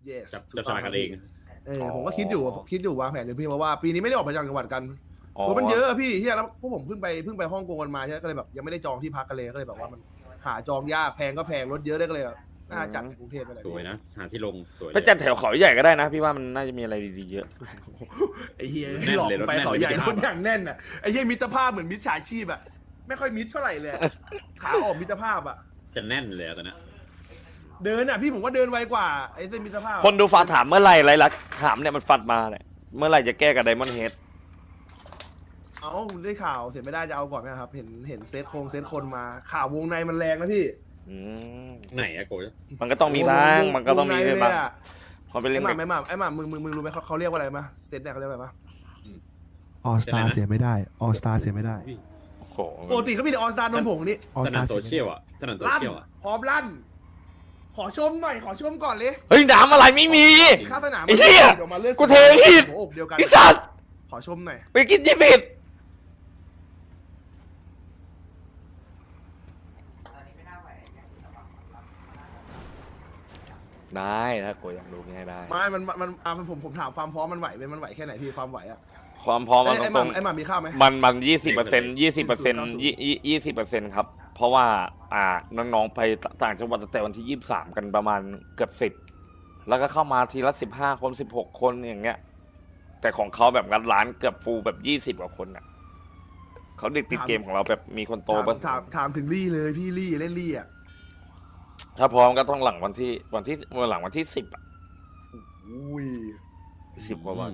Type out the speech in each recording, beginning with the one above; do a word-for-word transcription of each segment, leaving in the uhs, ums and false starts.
yes จับจับฉลากกันเองเออผมก็คิดอยู่คิดอยู่วางแผนอยู่พี่เพราะว่าปีนี้ไม่ได้ออกไปจังหวัดกันโอ้มันเยอะพี่เฮียแล้วพวกผมเพิ่งไปเพิ่งไปฮ่องกงกันมาใช่ก็เลยแบบยังไม่ได้จองที่พักกันเลยก็เลยแบบว่ามันหาจองยากแพงก็แพงรถเยอะได้ก็เลยน่าจัดในกรุงเทพไปเลยสวยนะหาที่ลงสวยไปจัดแถวเขาใหญ่ก็ได้นะพี่ว่ามันน่าจะมีอะไรดีๆเยอะไอ้เฮียหลอกไปเขาใหญ่รถอย่างแน่นอ่ะไอ้เฮียมิตรภาพเหมือนมิตรฉาชีพอ่ะไม่ค่อยมิตรเท่าไหร่เลยขาออกมิตรภาพอ่ะจะแน่นเลยตอนนี้เดินอ่ะพี่ผมว่าเดินไวกว่าไอ้เส้นมิตรภาพคนดูฝากถามเมื่อไหร่ไรลักถามเนี่ยมันฟัดมาเนี่ยเมื่อไหร่จะแก้กับไดมอนด์เฮดเอาได้ข่าวเสร็จไม่ได้จะเอาก่อนนะครับเห็นเห็นเซตโครงเซตคนมาข่าววงในมันแรงนะพี่ไหนอะโกยมันก็ต้องมีบ้างมันก็ต้องมีบ้างเขาไปเล่นไอ้หมาไอ้หมาไอ้หมามึงมึงมึงรู้ไหมเขาเขาเรียกว่าอะไรมาเซตเนี่ยเขาเรียกอะไรมาออสตาเสียไม่ได้ออสตาเสียไม่ได้ปกติเขามีแต่ออสตานนผงนี่สนามโซเชียลอะสนามโซเชียลอะพร้อมลั่นขอชมหน่อยขอชมก่อนเลยเฮ้ยน้ำอะไรไม่มีข้าสนามไอ้เหี้ยกูเทผิดไอ้สัตว์ขอชมหน่อยไปกินที่ผิดได้ถ้าโกอยากรู้ง่ายได้ไม่มันมันอ่าผมผมถามความพร้อมมันไหวไหมมันไหวแค่ไหนพี่ความไหวอะความพร้อมมันตรงไอ้หมามีข้าวไหมมันมันยี่สิบเปอร์เซ็นต์ยี่สิบเปอร์เซ็นต์ยี่ยี่สิบเปอร์เซ็นต์ครับเพราะว่าอ่าน้องๆไปต่างจังหวัดแต่วันที่ยี่สิบสามกันประมาณเกือบสิบแล้วก็เข้ามาทีละสิบห้าคนสิบหกคนอย่างเงี้ยแต่ของเขาแบบงัดร้านเกือบฟูลแบบยี่สิบกว่าคนอ่ะเขาเด็กติดเกมของเราแบบมีคนโตบ้างถามถามถึงลี่เลยพี่ลี่เล่นลี่อ่ะถ้าพร้อมก็ต้องหลังวันที่วันที่วันหลังวันที่สิบอ่ะอุ้ยสิบกว่าวัน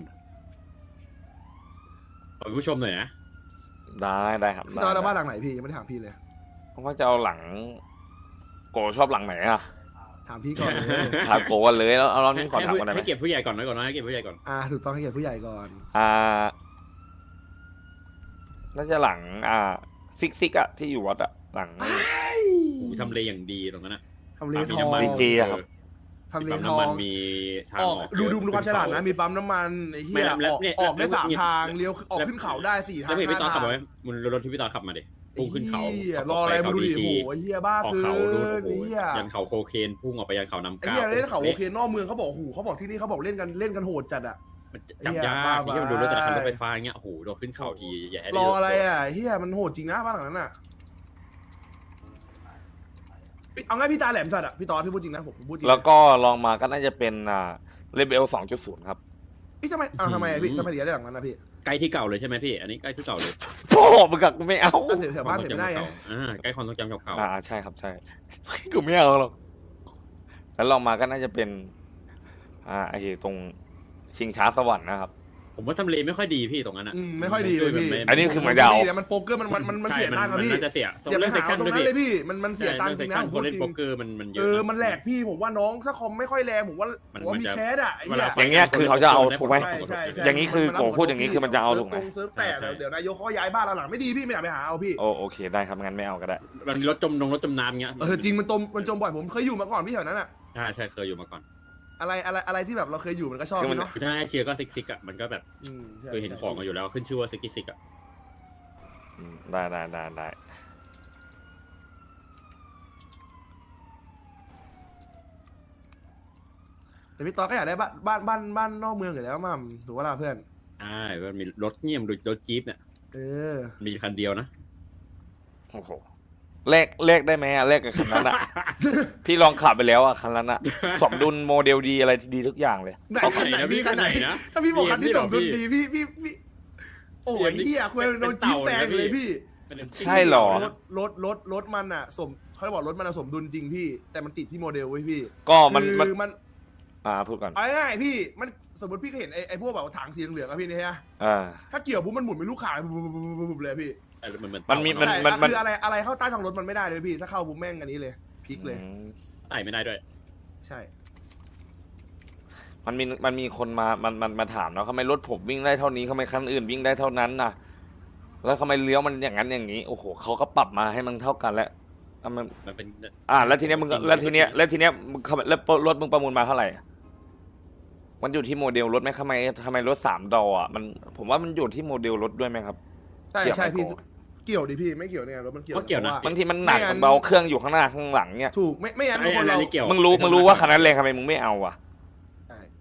ขอผู้ชมหน่อยนะได้ได้ครับพี่ตอนเราบ้านหลังไหนพี่ยังไม่ได้ถามพี่เลยผมว่าจะเอาหลังโกชอบหลังไหนอ่ะถามพี่ก่อนเลยถามโกกันเลยแล้วเอาเรานี่ก่อนถามก่อนได้ไหมให้เก็บผู้ใหญ่ก่อนนะก่อนนะให้เก็บผู้ใหญ่ก่อนอ่าถูกต้องให้เก็บผู้ใหญ่ก่อนอ่าน่าจะหลังอ่าซิกซิกอะที่อยู่วัดอะหลังทำเลอย่างดีตรงนั้นนะทำเลทองดีจีอะครับทำเลทองมีทางออกดูดูดูความฉลาดนะมีปั๊มน้ำมันไอ้เหี้ยออกออกได้สามทางเลี้ยวออกขึ้นเขาได้สี่ทางแล้วพี่ตอนขับไหมมึงรถที่พี่ตอนขับมาดิพุ่งขึ้นเขารออะไรมาดูดิโอ้โหไอ้เหี้ยบ้าคือไอ้เหี้ยยันเขาโคเคนพุ่งออกไปยันเขาน้ำก้าวไอ้เหี้ยเล่นเขาโคเคนนอกเมืองเขาบอกโอ้โหเขาบอกที่นี่เขาบอกเล่นกันเล่นกันโหดจัดอะจับยากที่มันดูรถแต่ละคันรถไฟฟ้าเงี้ยโอ้โหเราขึ้นเขาทีใหญ่รออะไรอ่ะเฮียมันโหดจริงนะบ้านหลังนั้นอ่ะเอาง่ายพี่ตาแหลมสัตว์อ่ะพี่ตอพี่พูดจริงนะผมพูดจริงแล้วก็ลองมาก็น่าจะเป็นอ่าเลเวล สองจุดศูนย์ ครับอีทำไมอ่าทำไมพี่ทำไมถึงได้หลังนั้นนะพี่ใกล้ที่เก่าเลยใช่ไหมพี่อันนี้ใกล้ที่เก่าเลยโอ้มึงกับกูไม่เอาแถวบ้านเสร็จไม่ได้อ่าใกล้ความทรงจำเก่าอ่าใช่ครับใช่กูไม่เอาหรอกแล้วลองมาก็น่าจะเป็นอ่าไอ้ตรงชิงช้าสวรรค์นะครับผมว่าทำเลไม่ค่อยดีพี่ตรงนั้นอ่ะไม่ค่อยดีเลยพี่อันนี้คือเหมือนยาวมันโป๊กเกอร์มันมันมันเสียตังค์ครับพี่มันจะเสียอย่าไปหาตรงนั้นเลยพี่มันมันเสียตังค์จริงนะผมเล่นโป๊กเกอร์มันมันเยอะเออมันแหลกพี่ผมว่าน้องถ้าคอมไม่ค่อยแรงผมว่าผมว่ามีแคสอ่ะอย่างเงี้ยคือเขาจะเอาถูกไหมอย่างนี้คือโกพูดอย่างนี้คือมันจะเอาถูกไหมเซิร์ฟแต่เดี๋ยวนายกเขาย้ายบ้านหลังไม่ดีพี่ไม่อยากไปหาเอาพี่โอโอเคได้ครับงั้นไม่เอาก็ได้มันรถจมลงรถจมน้ำเงี้ยเออจริงมันจมมันจมบ่อยผมเคยอยู่มาก่อนพี่แถวนั้นอ่ะใช่ใช่เคยอยู่มาก่อนอะไรอะไรอะไรที่แบบเราเคยอยู่มันก็ชอบเนาะถ้าให้เชียร์ก็ซิกซิกอ่ะมันก็แบบเคยเห็นของมาอยู่แล้วขึ้นชื่อว่าซิกซิกอ่ะได้ได้ได้ได้แต่พี่ตอก็อยากได้บ้านบ้านบ้านบ้านนอกเมืองอยู่แล้วมั่มถูกว่าล่ะเพื่อนใช่มันมีรถเงี่ยมรถจี๊ปเนี่ยเออมีคันเดียวนะโอ้โหเลขเลขได้ไหมอะเลขกับคันนั้นอะพี่ลองขับไปแล้วอะคันนั้นอะสมดุลโมเดลดีอะไรดีทุกอย่างเลยไหนคันไหนพี่คันไหนนะถ้าพี่บอกคันที่สมดุลดีพี่พี่พี่โอ้ยเฮียคุยโดนจี๊ปแตงเลยพี่ใช่หรอรถรถรถรถมันอะสมเขาบอกรถมันสมดุลจริงพี่แต่มันติดที่โมเดลไว้พี่ก็มันมันอ่าพูดก่อนเอาง่ายพี่มันสมมติพี่ก็เห็นไอ้ไอ้พวกแบบถังสีเหลืองอะพี่นี่ฮะอ่าถ้าเกี่ยวปุ๊บมันหมุนเป็นลูกข่างปุ๊บเลยพี่มันมีมันมันคืออะไรอะไรเข้าใต้ท้องรถมันไม่ได้เลยพี่ถ้าเข้าปุ๊บแม่งอันนี้เลยพลิกเลยไต่ไม่ได้ด้วยใช่มันมีมันมีคนมามันมันมาถามเนาะทำไมรถผมวิ่งได้เท่านี้ทำไมคันอื่นวิ่งได้เท่านั้นน่ะแล้วทำไมเลี้ยวมันอย่างนั้นอย่างนี้โอ้โหเขาก็ปรับมาให้มันเท่ากันแล้วมันมันเป็นอ่าแล้วทีเนี้ยมึงแล้วทีเนี้ยแล้วทีเนี้ยมึงแล้วรถมึงประมูลมาเท่าไหร่มันอยู่ที่โมเดลรถไหมทำไมทำไมรถสามดออ่ะมันผมว่ามันอยู่ที่โมเดลรถด้วยไหมครับใช่ใช่พี่เกี่ยวดิพี่ไม่เกี่ยวเนี่ยรถมันเกี่ยวเกี่ยวนะบางทีมันหนักเบาเครื่องอยู่ข้างหน้าข้างหลังเนี่ยถูกไม่ไม่งั้นคนเรามึงรู้มึงรู้ว่าคันนั้นแรงทำไมมึงไม่เอาอ่ะ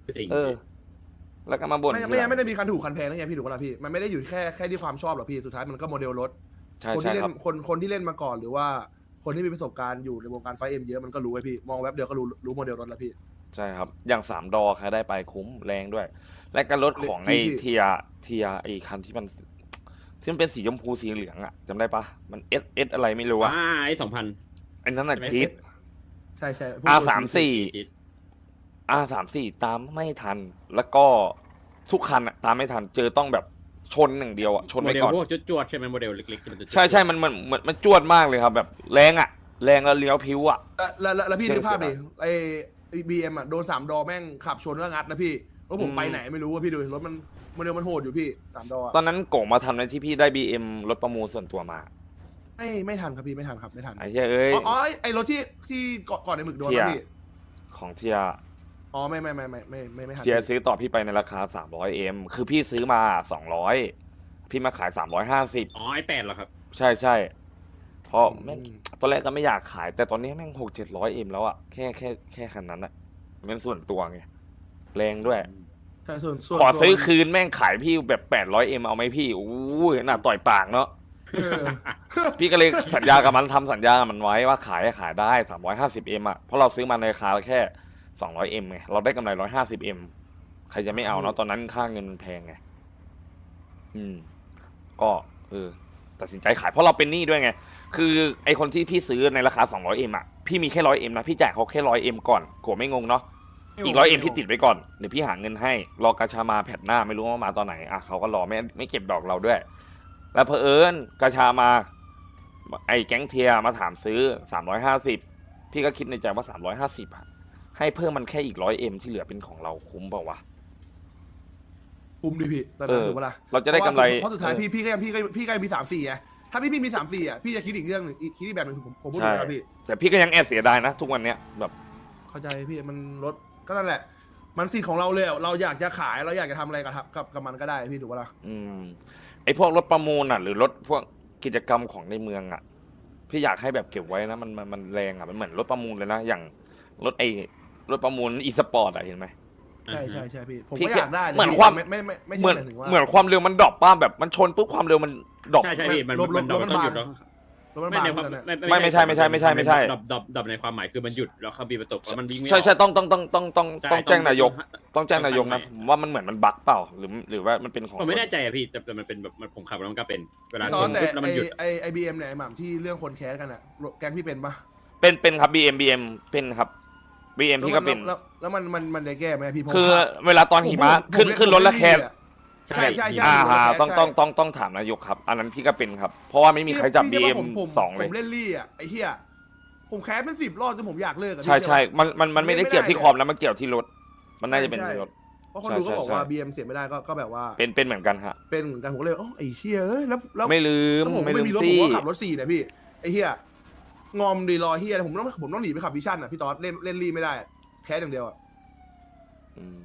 จริงเออ แล้วก็มาบ่นไม่ทีไม่หลังไม่ได้มีคันถูกคันแพงนะไงพี่ถูกปะล่ะพี่มันไม่ได้อยู่แค่แค่ที่ความชอบหรอกพี่สุดท้ายมันก็โมเดลรถใช่คนใช่ที่เล่ครับนคนคนที่เล่นมาก่อนหรือว่าคนที่มีประสบการณ์อยู่ในวงการไฟเอ็มเยอะมันก็รู้ไว้พี่มองแว็บเดียวก็รู้รู้โมเดลรถแล้วพี่ใช่ครับ อย่างสามดอใครได้ไปคุ้มแรงด้วย และก็รถของไอ้ที่เทียเทียไอ้คันที่มัน ที่มันเป็นสีชมพูสีเหลืองอะจำได้ปะมันเอสเอสอะไรไม่รู้อะอ่าไอ้สองพันไอ้นั่นน่ะใช่ไหมคิดใช่ใช่อาสามสี่อาสามสี่ตามไม่ทัน แล้วก็ทุกคันอะตามไม่ทัน เจอต้องแบบชนหนึ่างเดียวอะชนโมไปเดลก่อนพวกจวดๆใช่ไหมโมเดลเล็กๆที่มันจะใช่ใช่มันมันมันมันจวดมากเลยครับ แบบแรงอะแรงแล้วเลี้ยวพิ้วอะแล้วแล้วแล้วพี่เสียนึกภาพดิเสียไอ้บีเอ็มอ่ะโดนสามดอแม่งขับชนก็งัดนะพี่รถผมอืมไปไหนไม่รู้ว่าพี่ดูรถมันโมเดลมันโหดอยู่พี่สามดอตอนนั้นโก่งมาทำในที่พี่ได้บีเอ็มรถประมูลส่วนตัวมาไม่ไม่ทันครับพี่ไม่ทันครับไม่ทันไอ้เหี้ยเอ้ยอ๋ออ๋อไอ้ไอ้รถที่ที่ก่อนก่อนในหมึกโดนเทียนะพี่ของเทียอ๋อไม่ไม่ไม่ไม่ไม่ไม่ไม่ทันเทียซื้อต่อพี่ไปในราคาสามร้อยเอ็มคือพี่ซื้อมาสองร้อยพี่มาขายสามร้อยห้าสิบอ๋อไอ้แปดเหรอครับใช่ใช่เพราะอืแม่งมตอนแรกก็ไม่อยากขาย แต่ตอนนี้แม่งหกเจ็ดร้อยเอ็มแล้วอะแค่แค่แค่คันนั้นอะเป็นส่วนตัวไงแรงด้วยใช่ส่วนส่วนขอซื้อส่วนคืนแม่งขายพี่แบบแปดร้อยเอ็มเอาไหมพี่อู้ยน่าต่อยปากเนาะเออพี่ก็เลยสัญญากับมันทำสัญญากับมันไว้ว่าขายให้ขายได้สามร้อยห้าสิบเอ็มอะเพราะเราซื้อมาในราคาแค่สองร้อยเอ็มไงเราได้กำไรร้อยห้าสิบเอ็มใครจะไม่เอาเนาะตอนนั้นค่าเงินมันแพงไงอืม ก็เออตัดสินใจขายเพราะเราเป็นหนี้ด้วยไง คือไอคนที่พี่ซื้อในราคาสองร้อยเอ็มอะพี่มีแค่ร้อยเอ็มนะพี่จ่ายเขาแค่ร้อยเอ็มก่อนโกรธไม่งงเนาะอีกร้อยเอ็มพี่ติดไว้ก่อนเดี๋ยวพี่หาเงินให้รอกาชามาแผ่นหน้าไม่รู้ว่ามาตอนไหนอ่ะเขาก็รอไม่ไม่เก็บดอกเราด้วย แล้วเพอเอิญกาชามา ไอ้แก๊งเทียมาถามซื้อสามร้อยห้าสิบพี่ก็คิดในใจว่าสามร้อยห้าสิบอะให้เพิ่มมันแค่อีกร้อยเอ็มที่เหลือเป็นของเราคุ้มเปล่าวะคุ้มดิพี่แต่เออถูกปะล่ะเราจะได้กำไรเพราะสุดท้ายเออพี่พี่ก็ยังพี่ก็พี่ก็ยังมีสามสี่ไงถ้าพี่พี่มีสามสี่อ่ะพี่จะคิดอีกเรื่องหนึ่งอีกคิดอีกแบบหนึ่งผมผมพูดใช่เลยครับพี่แต่พี่ก็ยังแอบเสียดายนะ ทุกวันเนี้ยแบบเข้าใจพี่มันรถก็นั่นแหละ มันสิทธิ์ของเราเลยอะเราอยากจะขายเราอยากจะทำอะไรกับกับกับมันก็ได้พี่ถูกปะล่ะอืมไอพวกรถประมูลอ่ะ หรือรถพวกกิจกรรมของในเมืองอ่ะ พี่อยากให้แบบเก็บไว้นะมันมันมันแรงอ่ะมันเหมือนรถประมูลเลยนะอย่างรถไอรถประมูลอีสปอร์ตอ่ะเห็นไหมใช่ใช่ใช่พี่ผมพี่ก็อยากได้ะเหมือนพี่ความไม่ไม่ไม่ไม่เหมืใช่อนหมายถึงว่าเหมือนความเร็วมันดรอปป้าแบบมันชนปุ๊บความเร็วมันดรอปใช่ใช่พี่มันลบลบมันดรอปลบต้องหยุดแล้วรถมันไม่บางในความเกินอะไม่ไม่ใช่ไม่ใช่ไม่ใช่ไม่ใช่ดรอปดรอปดรอปในความหมายคือมันหยุดแล้วเขาบีบตกแล้วมันวิ่งไม่ออกใช่ใช่ต้องต้องต้องต้องต้องใช่ต้องแจ้งนายก ต้องแจ้งต้องนายกนะทำใหม่ผมว่ามันเหมือนมันบั๊กเปล่าหรือหรือว่ามันเป็นของผมไม่แน่ใจอะพี่แต่แต่มันเป็นแบบมันผมขับแล้วมันก็เป็นเวลาตชอนนแต่ปุ๊บแล้วไอมันหยุดไอไอบีเอ็มเนี่ยไอหม่ำที่เรื่องคนแคสกันอ่ะแกงพี่เป็นปะเป็นเป็นครับ บี เอ็ม บี เอ็ม เป็นครับ บี เอ็ม พี่ก็เป็นแล้วแล้วแล้วมันมันมันได้แก้ไหมพี่ผมคือขับเวลาตอนหิมะผมขึ้นผมขึ้นรถและแคสใช่ใช่ใช่อ่าผมฮะเล่นต้องใช่ต้องต้องต้องถามนายกครับ อันนั้นพี่ก็เป็นครับ เพราะว่าไม่มีใครจับ บีพี่เอ็มพี่ผมสองเลยผมเล่นลี่อ่ะไอ้เหี้ยผมแคสเป็นสิบรอบจนผมอยากเลิกอะใช่ใช่พี่มันมันมันไม่ได้ไม่ได้เกี่ยวที่เลยคอมแล้วมันเกี่ยวที่รถ มันน่าจะเป็นใช่ที่รถเพราะคนดูก็บอกใช่ว่าใช่บีเอ็มเสียไม่ได้ก็ก็แบบว่าเป็นเป็นเหมือนกันฮะเป็นเหมือนกันผมก็เลยอ๋อไอ้เหี้ยเอ้ยแล้วแล้วไม่ลืมแล้วผมก็ไม่ไม่ลืมมีรถสิผมก็ขับรถสี่เนี่ยพี่ไอ้เหี้ยงอมดีรอเหี้ยผมต้องผมต้องหนีไปขับวิชั่นอ่ะพี่ต๊อดเล่นเล่นลี่ไม่ได้อะแคสอย่างเดียวอ่ะอืม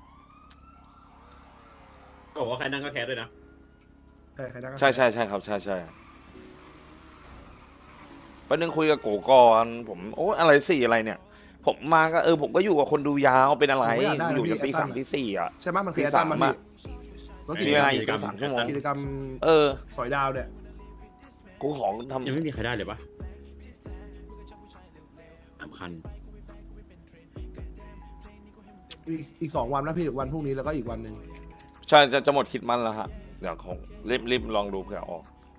บอกว่าใครนั่งก็แคสด้วยนะใช่ใครนั่งก็ใช่ใช่ใช่ครับใช่ใช่ประเด็นคุยกับโกก่อนผมโอ้อะไรสี่อะไรเนี่ย ผมมาก็เออผมก็อยู่กับคนดูยาวเป็นอะไรผมก็อยากได้นะอยู่จนพี่ตีสามแอตตันตีสี่อ่ะใช่ไหมมันคือแอตตันมาตีพี่สามอะรถกิจมีกรเวรลาม อีกตั้งสามชั่วโมงกิจกรรมเออสอยดาวเนี่ยกูของทำยังไม่มีใครได้เลยปะสำคัญอีกอีกสองวันนะพี่วันพรุ่งนี้แล้วก็อีกวันหนึ่งใช่จะจะหมดคิดมันแล้วฮะเดี๋ยวของรีบรีบลองดูเผื่อออก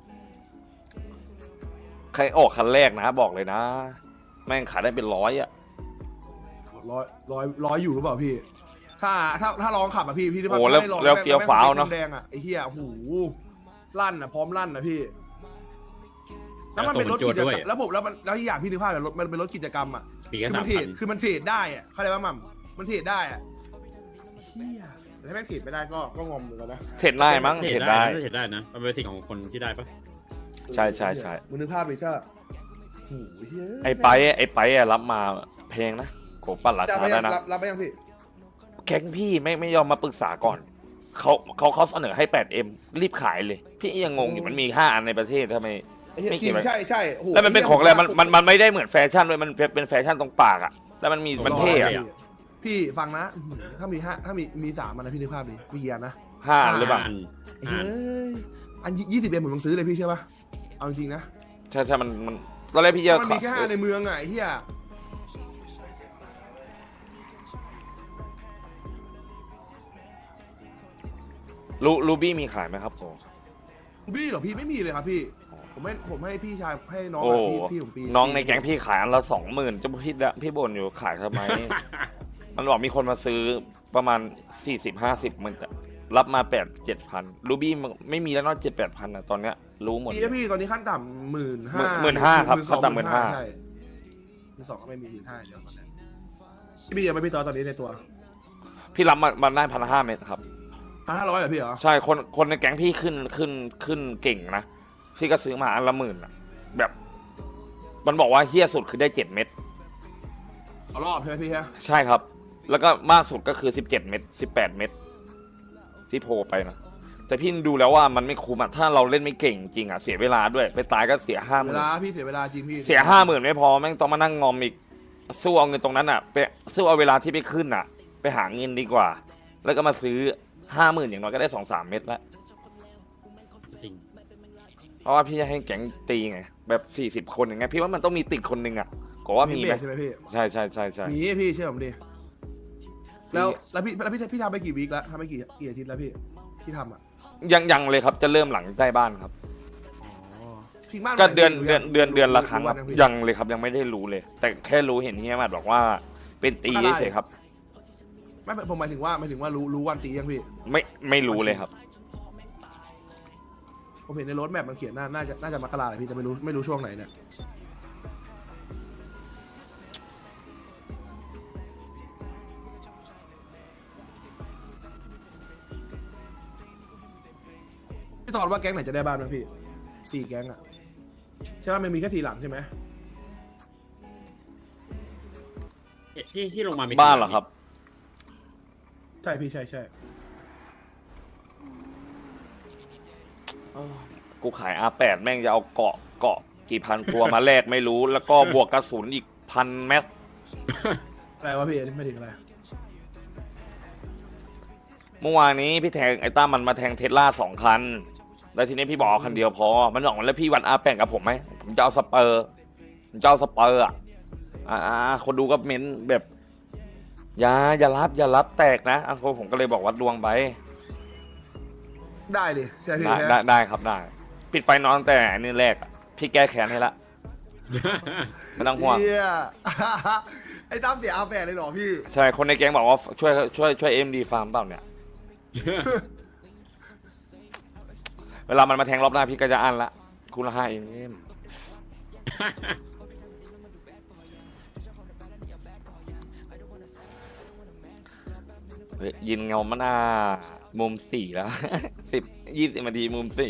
ใครออกคันแรกนะบอกเลยนะ แม่งขายได้เป็นร้อยอ่ะร้อยร้อยร้อยอยู่หรือเปล่าพี่ ถ้าถ้าถ้าลองขับอ่ะพี่พี่ที่โอ้แล้วถ้าได้องแล้วเฟี้ยวฟ้าวเนอะแดงอ่ะไอ้เหี้ยหูลั่นอ่ะพร้อมลั่นนะพี่แล้วมันเป็นรถกิจกรรมแล้วผมแล้วมันแล้วที่อยากพี่นึกภาพเลยรถมันเป็นรถกิจกรรมอ่ะปีก็คือสามัมนเทรพัดนคือมันเทรดได้อ่ะเข้าใจป่ะหม่ำมันเทรดได้อ่ะเฮียแต่ถ้าแม่งเทรดไม่ได้ก็ก็งอมเหมือนกันนะเทรดได้มั้งเทเทรรดดได้ได้เทรดได้นะมันเป็นสิ่งของคนที่ได้ปะใช่ใช่ใช่มึงนึกภาพเลยก็โอ้โหเฮ้ยไอ้ไปไอ้ไปอะรับมาแพงนะโกปั่นราจะคาไปยัได้งนะรับรับไปยังพี่แก๊งพี่ไม่ไม่ยอมมาปรึกษาก่อนเขาเขาเขาเสนอให้ แปดเอ็ม รีบขายเลย พี่ยังงงอยู่มันมีห้าอันในประเทศทำไมไอ้เหี้ยไม่จเกี่ริยวงใช่ใช่โอ้โหแล้วมันเป็นของอะไรมันมันมันไม่ได้เหมือนแฟชั่นเลยมันเป็นแฟชั่นตรงปากอะแล้วมันมีมันเท่อะผพี่ฟังนะถ้ามีห้าถ้ามีมีสามอันนะพี่นึกภาพดิมีกี่อันนะห้าอันหรือเปล่าอันเฮ้ยอันยี่สิบเอ็มผมต้องซื้อเลยพี่เชื่อปะเอาจริงๆนะใช่ใช่มันมันตอนแรกพี่จะมันมีแค่ห้าในเมืองไงเฮียลูลูบี้มีขายไหมครับโอ้บี้เหรอพี่ไม่มีเลยครับพี่ผมให้ผมให้พี่ชายให้น้องโอ้อะพี่พี่ผมปีน้องในแก๊งพี่ขายอันละสองหมื่นจะพี่ละพี่บ่นอยู่ขายทำไม มันบอกมีคนมาซื้อประมาณสี่สิบห้าสิบมันจะรับมาแปดเจ็ดพันลูบี้ไม่มีแล้วเนอกเจ็ดแปดพันอะตอนเนี้ยรู้หมดพี่พี่ตอนนี้ขั้นต่ำหมื่นห้าหมื่นห้าครับขั้นต่ำหมื่นห้าใช่หมื่นสองก็ไม่มีหมื่นห้าเดี๋ยวตอนนี้พี่พี่ยังไม่พี่ตอนตอนนี้ในตัวพี่รับมามาได้พันห้าเมตรครับพันห้าร้อยเหรอพี่เหรอใช่คนคนในแก๊งพี่ขึ้นขึ้นขึ้นเก่งนะพี่ก็ซื้อมาอันละหมื่นอะแบบ มันบอกว่าเฮี้ยสุดคือได้เจ็ดเม็ดเอารอบใช่ไหมพี่ฮะใช่ครับ แล้วก็มากสุดก็คือสิบเจ็ดเม็ดสิบแปดเม็ดที่โผล่ไปนะแต่พี่ดูแล้วว่ามันไม่คุ้มอะถ้าเราเล่นไม่เก่งจริงอะเสียเวลาด้วยไปตายก็เสียห้าหเวมื่นลาพี่เสียเวลาจริงพี่เสียห้าหมื่นไม่พอแม่งต้องมานั่งงอมอีกสู้เอาเงินตรงนั้นอะไปสู้เอาเวลาที่ไปขึ้นอะไปหาเงินดีกว่า แล้วก็มาซื้อห้าหมื่นอย่างน้อยก็ได้สองสามเม็ดละจริงเพราะว่าพี่จะให้แก๊งตีไงแบบสี่สิบคนอย่างเงี้ยพี่ว่ามันต้องมีติดคนหนึ่งอะก็ว่ามีไหมใช่ไหมพี่ใช่ใช่ใช่ใช่มีพี่เชื่อผมดิแล้วแล้วพี่แล้วพี่พี่ทำไปกี่วีคแล้วทำไปกี่กี่อาทิตย์แล้วพี่ที่ทำอ่ะยังยังเลยครับจะเริ่มหลังใกล้บ้านครับอ๋อทิ้งบ้านก็ไว้เดือนพี่เดือนเดือนเดือนละครั้งวัครับพี่ยังเลยครับยังไม่ได้รู้เลย แต่แค่รู้เห็นเฮียมาบอกว่าเป็นตีเฉยๆครับไม่ผมหมายถึงว่าหมายถึงว่ารู้รู้วันตียังพี่ไม่ไม่รู้เลยครับผมเห็นในรถแมพมันเขียนน่าน่าจะน่าจะมกราแหละพี่จะไม่รู้ไม่รู้ช่วงไหนเนี่ยพี่ตอนว่าแก๊งไหนจะได้บ้านบ้างพี่สี่แก๊งอะใช่ไหมมันมีแค่สี่หลังใช่ไหมเอ๊ะที่ที่ลงมามีบ้านเหรอครับใช่พี่ใช่ใช่กูขายอาแปดแม่งจะเอาเกาะเกาะกี่พันตัวมาแลกไม่รู้ แล้วก็บวกกระสุนอีกพันแม็กอะไรวะพี่อันนี้ไม่ถึงอะไรเมื่อวานนี้พี่แทงไอ้ต้ามันมาแทงเทสลาสองคัน แล้วทีนี้พี่บอกเอาคันเดียวพอ มันบอกแล้วพี่วันอาแปดกับผมไหมผมจะเอาสเปอร์ผมจะเอาสเปอร์อ่ะอ่าคนดูก็เม้นแบบอย่าอย่ารับอย่ารับแตกนะอ่ะผมก็เลยบอกวัดดวงไปได้ดิใช่พี่ได้ใช่ได้ได้ครับได้ ปิดไฟนอนตั้งแต่นี่แรกอะพี่แก้แค้นให้ละไม่ต้องห่วงเหี้ย ไอ้ตั้มเสียอาแปดเลยเหรอพี่ใช่คนในแก๊งบอกว่าช่วยช่วยช่วยเอ็มดีฟาร์มเปล่าเนี่ย เวลามันมาแทงรอบหน้าพี่ก็จะอันละคุณละห้าเอ็มเฮ้ยยินเงามันอ่ะมุมสี่แล้ว สิบยี่สิบนาทีมุมสี่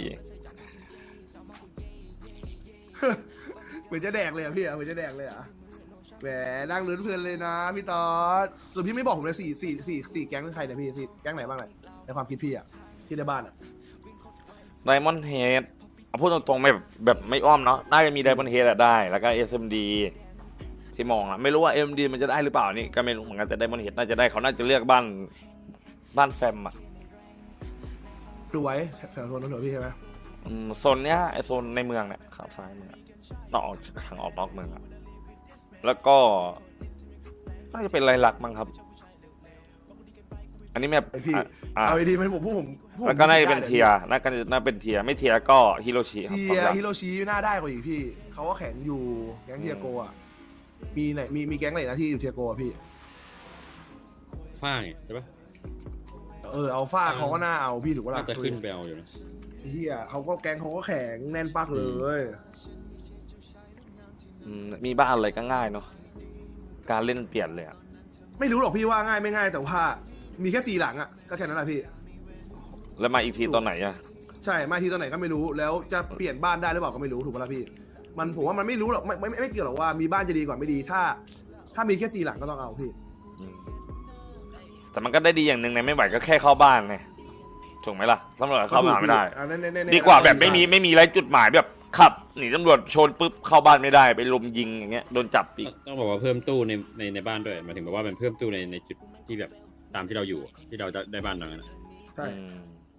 เหมือนจะแดกเลยอะพี่อะเหมือนจะแดกเลยอะแหมนั่งลุ้นเพลินเลยนะพี่ตอดส่วนพี่ไม่บอกผมเลยสี่สี่สี่สี่แก๊งเป็นใครเนี่ยพี่สี่แก๊งไหนบ้างเลยในความคิดพี่อะที่ในบ้านอะไดมอนด์เฮดเอาพูดตรงๆไม่แบบแบบไม่อ้อมเนาะน่าจะมีไดมอนด์เฮดได้แล้วก็ เอส เอ็ม ดี ที่มองอะไม่รู้ว่า เอ็ม ดี มันจะได้หรือเปล่านี่ก็ไม่รู้เหมือนกันแต่ไดมอนด์เฮดน่าจะได้เขาน่าจะเลือกบ้านบ้านแฟมอะดูไว้แถวโซนนั้นเหรอพี่ใช่ไหมอืมโซนเนี้ยไอโซนในเมืองเนี่ยข้างซ้ายมือนอกทางออกนอกเมืองอะแล้วก็น่าจะเป็นไรลักษณ์มั้งครับ อันนี้แบบไอพี่อ่ะอ่ะเอาไอทีมันผมพูดผมพูดผมแล้วก็น่าจะเป็นได้เทียร์น่าจะน่าเป็นเทียร์ไม่เทียร์ก็ฮิโรชิครับเทีสองยอย่างฮิโรชิน่าได้กว่าอีกพี่เขาก็แข็งอยู่แก๊งเทียโกอะมีไหนมีมีแก๊งไหนนะที่อยู่เทียโกอะพี่ฝ้าเนี่ยใช่ปะเออเอาฟ้าเขาก็น่าเอาพี่ถูกปะน่าล่ะจะขึ้นไปเอาอยู่นะเฮียเขาก็แก๊งเขาก็แข็งแน่นปักเลยอืมมีบ้านอะไรก็ง่ายเนาะการเล่นเปลี่ยนเลยอะไม่รู้หรอกพี่ว่าง่ายไม่ง่ายแต่ว่ามีแค่สี่หลังอะก็แค่นั้นแหละพี่แล้วมาอีกทีตอนไหนอะใช่มาทีตอนไหนก็ไม่รู้แล้วจะเปลี่ยนบ้านได้หรือเปล่าก็ไม่รู้ถูกปะล่ะพี่มันผมว่ามันไม่รู้หรอกไม่ไม่ไม่ไม่เกี่ยวหรอกว่ามีบ้านจะดีกว่าไม่ดีถ้า ถ้ามีแค่สี่หลังก็ต้องเอาพี่อืมแต่มันก็ได้ดีอย่างหนึ่งในไม่ไหวก็แค่เข้าบ้านไงถูกไหมล่ะตำรวจเข้ามาไม่ได้อ่ะแน่ๆๆๆดีกว่าแบบไม่มีไม่มีไรจุดหมายแบบขับหนีตำรวจชนปุ๊บเข้าบ้านไม่ได้ไปลุมยิงอย่างเงี้ยโดนจับอีกต้องบอกว่าเพิ่มตู้ในในในบ้านด้วยหมายถึงแบบว่าเป็นเพิ่มตู้ในในจุดที่แบบตามที่เราอยู่ที่เราจะได้บ้านตรงนั้นใช่อืม